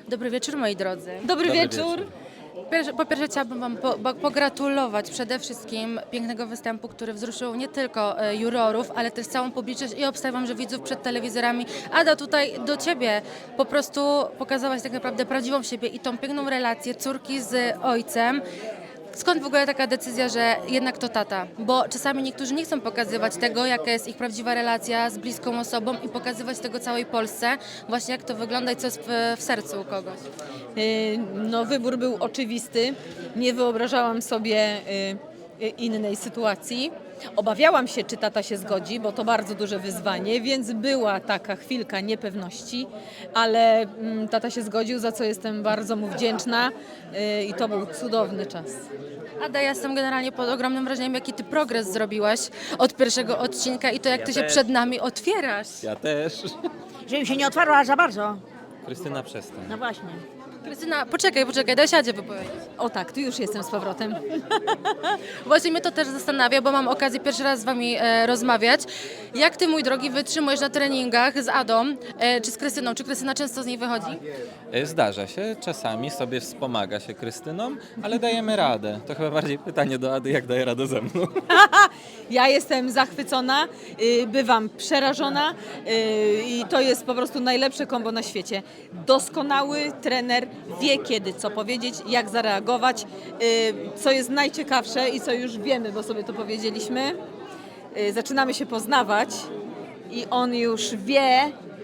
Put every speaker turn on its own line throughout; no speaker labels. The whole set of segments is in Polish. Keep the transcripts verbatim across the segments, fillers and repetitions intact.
Dobry wieczór, moi drodzy.
Dobry,
Dobry
wieczór.
wieczór.
Pierwsze- Po pierwsze chciałabym Wam po, po, pogratulować przede wszystkim pięknego występu, który wzruszył nie tylko e, jurorów, ale też całą publiczność i obstawiam, że widzów przed telewizorami. Ada, tutaj do Ciebie po prostu pokazałaś tak naprawdę prawdziwą siebie i tą piękną relację córki z ojcem. Skąd w ogóle taka decyzja, że jednak to tata? Bo czasami niektórzy nie chcą pokazywać tego, jaka jest ich prawdziwa relacja z bliską osobą i pokazywać tego całej Polsce, właśnie jak to wygląda i co jest w, w sercu u kogoś.
Y, No, wybór był oczywisty. Nie wyobrażałam sobie y, y, innej sytuacji. Obawiałam się, czy tata się zgodzi, bo to bardzo duże wyzwanie, więc była taka chwilka niepewności, ale mm, tata się zgodził, za co jestem bardzo mu wdzięczna y, i to był cudowny czas.
Ada, ja jestem generalnie pod ogromnym wrażeniem, jaki ty progres zrobiłaś od pierwszego odcinka i to jak
Ja
ty się
też.
przed nami otwierasz.
Ja też.
Żebym się nie otwarła za bardzo.
Krystyna, przestań.
No właśnie.
Krystyna, poczekaj, poczekaj, daj siadzie wypowiedzieć.
O tak, tu już jestem z powrotem.
Właśnie mnie to też zastanawia, bo mam okazję pierwszy raz z wami e, rozmawiać. Jak ty, mój drogi, wytrzymujesz na treningach z Adą, e, czy z Krystyną? Czy Krystyna często z niej wychodzi?
E, Zdarza się, czasami sobie wspomaga się Krystyną, ale dajemy radę. To chyba bardziej pytanie do Ady, jak daje radę ze mną.
Ja jestem zachwycona, y, bywam przerażona y, i to jest po prostu najlepsze kombo na świecie. Doskonały trener wie kiedy co powiedzieć, jak zareagować, y, co jest najciekawsze i co już wiemy, bo sobie to powiedzieliśmy. Y, Zaczynamy się poznawać i on już wie,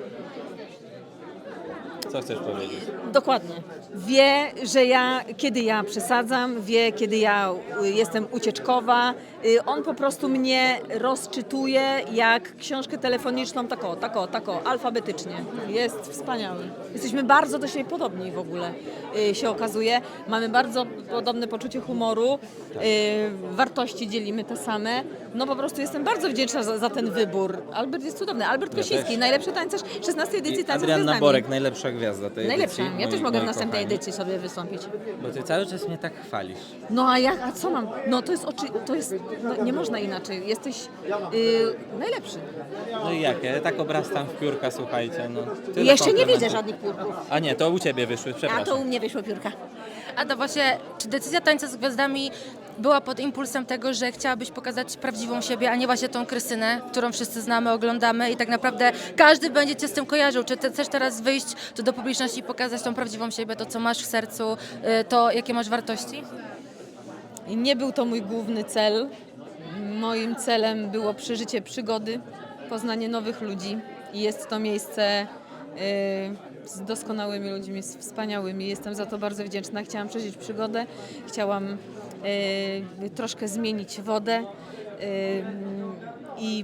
Co chcesz powiedzieć?
dokładnie, wie, że ja, kiedy ja przesadzam, wie, kiedy ja y, jestem ucieczkowa. Y, On po prostu mnie rozczytuje jak książkę telefoniczną, tako, tako, tako, alfabetycznie. Jest wspaniały. Jesteśmy bardzo do siebie podobni w ogóle, y, się okazuje. Mamy bardzo podobne poczucie humoru, y, wartości dzielimy te same. No po prostu jestem bardzo wdzięczna za, za ten wybór. Albert jest cudowny. Albert
Ja
Kosiński,
też.
najlepszy tańcerz szesnastej edycji
I
Tańca z
Adrianna
Gwiazdami.
Borek, najlepsza gwiazda tej
Najlepsza.
edycji.
Ja też
moi-
mogę w
moi
następnej
kochani.
edycji sobie wystąpić.
Bo ty cały czas mnie tak chwalisz.
No a jak, a co mam? No to jest oczy, to jest, no, nie można inaczej. Jesteś yy, najlepszy.
No i jak? Ja tak obrastam w piórka, słuchajcie. No, tyle
Jeszcze nie
komplementów.
widzę żadnych piórków.
A nie, to u ciebie wyszły,
A
przepraszam.
to u mnie wyszło piórka.
Ada, właśnie, czy decyzja Tańca z Gwiazdami była pod impulsem tego, że chciałabyś pokazać prawdziwą siebie, a nie właśnie tą Krystynę, którą wszyscy znamy, oglądamy i tak naprawdę każdy będzie cię z tym kojarzył. Czy ty chcesz teraz wyjść tu do publiczności i pokazać tą prawdziwą siebie, to co masz w sercu, y, to jakie masz wartości?
I nie był to mój główny cel. Moim celem było przeżycie przygody, poznanie nowych ludzi. I jest to miejsce yy, z doskonałymi ludźmi, z wspaniałymi. Jestem za to bardzo wdzięczna. Chciałam przeżyć przygodę, chciałam yy, troszkę zmienić wodę yy, i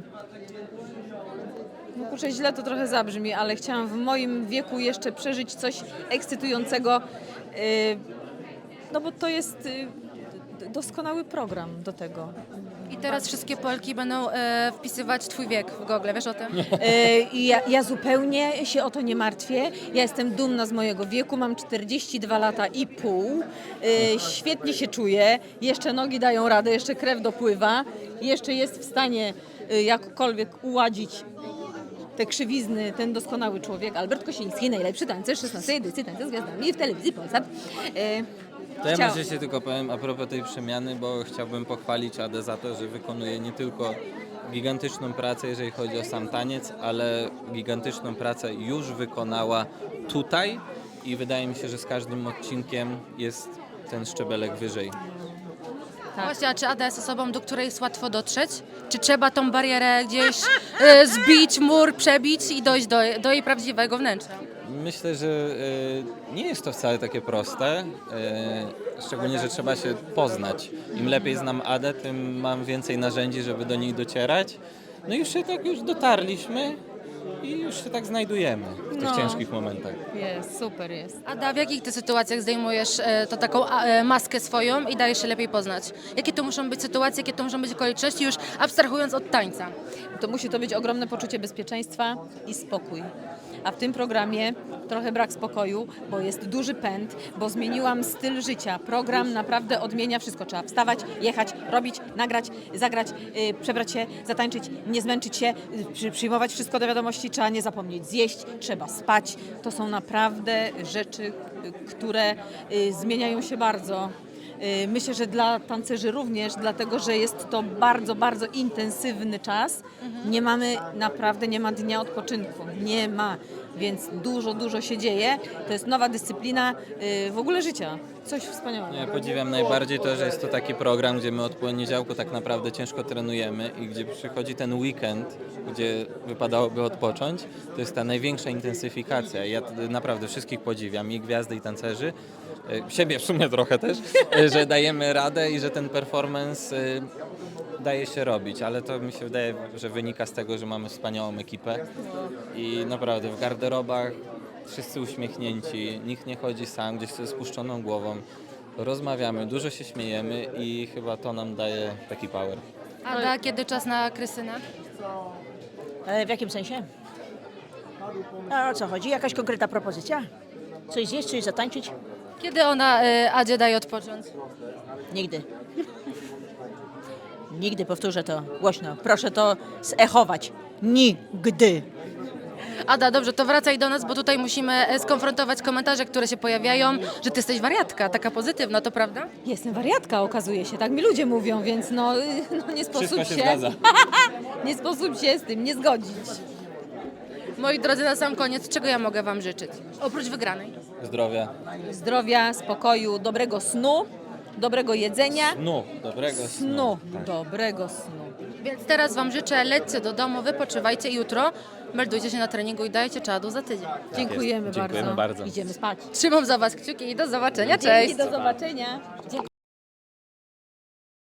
no kurczę, źle to trochę zabrzmi, ale chciałam w moim wieku jeszcze przeżyć coś ekscytującego, yy, no bo to jest yy, doskonały program do tego.
I teraz wszystkie Polki będą e, wpisywać twój wiek w Google, wiesz o tym?
Yy, I ja, ja zupełnie się o to nie martwię. Ja jestem dumna z mojego wieku, mam czterdzieści dwa lata i pół. Yy, świetnie się czuję, jeszcze nogi dają radę, jeszcze krew dopływa, jeszcze jest w stanie yy, jakkolwiek uładzić te krzywizny, ten doskonały człowiek, Albert Kosiński, najlepszy tańcerz szesnastej edycji Tańca z Gwiazdami w telewizji Polsat. Yy,
To ja
chciał-
może się tylko powiem a propos tej przemiany, bo chciałbym pochwalić Adę za to, że wykonuje nie tylko gigantyczną pracę, jeżeli chodzi o sam taniec, ale gigantyczną pracę już wykonała tutaj i wydaje mi się, że z każdym odcinkiem jest ten szczebelek wyżej.
Tak. Właśnie, a czy Ada jest osobą, do której jest łatwo dotrzeć? Czy trzeba tą barierę gdzieś e, zbić, mur przebić i dojść do, do jej prawdziwego wnętrza?
Myślę, że e, nie jest to wcale takie proste, e, szczególnie, że trzeba się poznać. Im lepiej znam Adę, tym mam więcej narzędzi, żeby do niej docierać. No i już się tak już dotarliśmy i już się tak znajdujemy w tych
No.
ciężkich momentach.
Jest, super jest.
Ada, w jakich ty sytuacjach zdejmujesz e, to taką a, e, maskę swoją i dajesz się lepiej poznać? Jakie to muszą być sytuacje, jakie to muszą być okoliczności, już abstrahując od tańca?
To musi to być ogromne poczucie bezpieczeństwa i spokój. a w tym programie trochę brak spokoju, bo jest duży pęd, bo zmieniłam styl życia. Program naprawdę odmienia wszystko. Trzeba wstawać, jechać, robić, nagrać, zagrać, yy, przebrać się, zatańczyć, nie zmęczyć się, yy, przy, przyjmować wszystko do wiadomości, trzeba nie zapomnieć zjeść, trzeba spać. To są naprawdę rzeczy, yy, które yy, zmieniają się bardzo. Yy, Myślę, że dla tancerzy również, dlatego że jest to bardzo, bardzo intensywny czas. Nie mamy, naprawdę nie ma dnia odpoczynku. Nie ma, więc dużo, dużo się dzieje. To jest nowa dyscyplina yy, w ogóle życia. Coś wspaniałego.
Ja podziwiam najbardziej to, że jest to taki program, gdzie my od poniedziałku tak naprawdę ciężko trenujemy i gdzie przychodzi ten weekend, gdzie wypadałoby odpocząć, to jest ta największa intensyfikacja. Ja t- naprawdę wszystkich podziwiam, i gwiazdy, i tancerzy, e, siebie w sumie trochę też, e, że dajemy radę i że ten performance e, daje się robić, ale to mi się wydaje, że wynika z tego, że mamy wspaniałą ekipę i naprawdę w garderobach wszyscy uśmiechnięci, nikt nie chodzi sam, gdzieś ze spuszczoną głową. Rozmawiamy, dużo się śmiejemy i chyba to nam daje taki power.
Ada, kiedy czas na Krystynę?
E, w jakim sensie? A o co chodzi? Jakaś konkretna propozycja? Coś zjeść, coś zatańczyć?
Kiedy ona y, Adzie daje odpocząć?
Nigdy. Nigdy, powtórzę to głośno. Proszę to zechować. Nigdy.
Ada, dobrze, to wracaj do nas, bo tutaj musimy e, skonfrontować komentarze, które się pojawiają, że ty jesteś wariatka, taka pozytywna, to prawda?
Jestem wariatka, okazuje się, tak mi ludzie mówią, więc no, yy, no nie sposób
Wszystko się zgadza.
nie sposób się z tym nie zgodzić.
Moi drodzy, na sam koniec, czego ja mogę wam życzyć? Oprócz wygranej.
Zdrowia.
Zdrowia, spokoju, dobrego snu, dobrego jedzenia,
Snu, dobrego snu.
snu, dobrego snu.
Więc teraz wam życzę, lećcie do domu, wypoczywajcie i jutro meldujcie się na treningu i dajcie czadu za tydzień.
Dziękujemy,
Dziękujemy
bardzo.
bardzo.
Idziemy spać.
Trzymam za was kciuki i do zobaczenia, cześć!
Dzięki, do zobaczenia.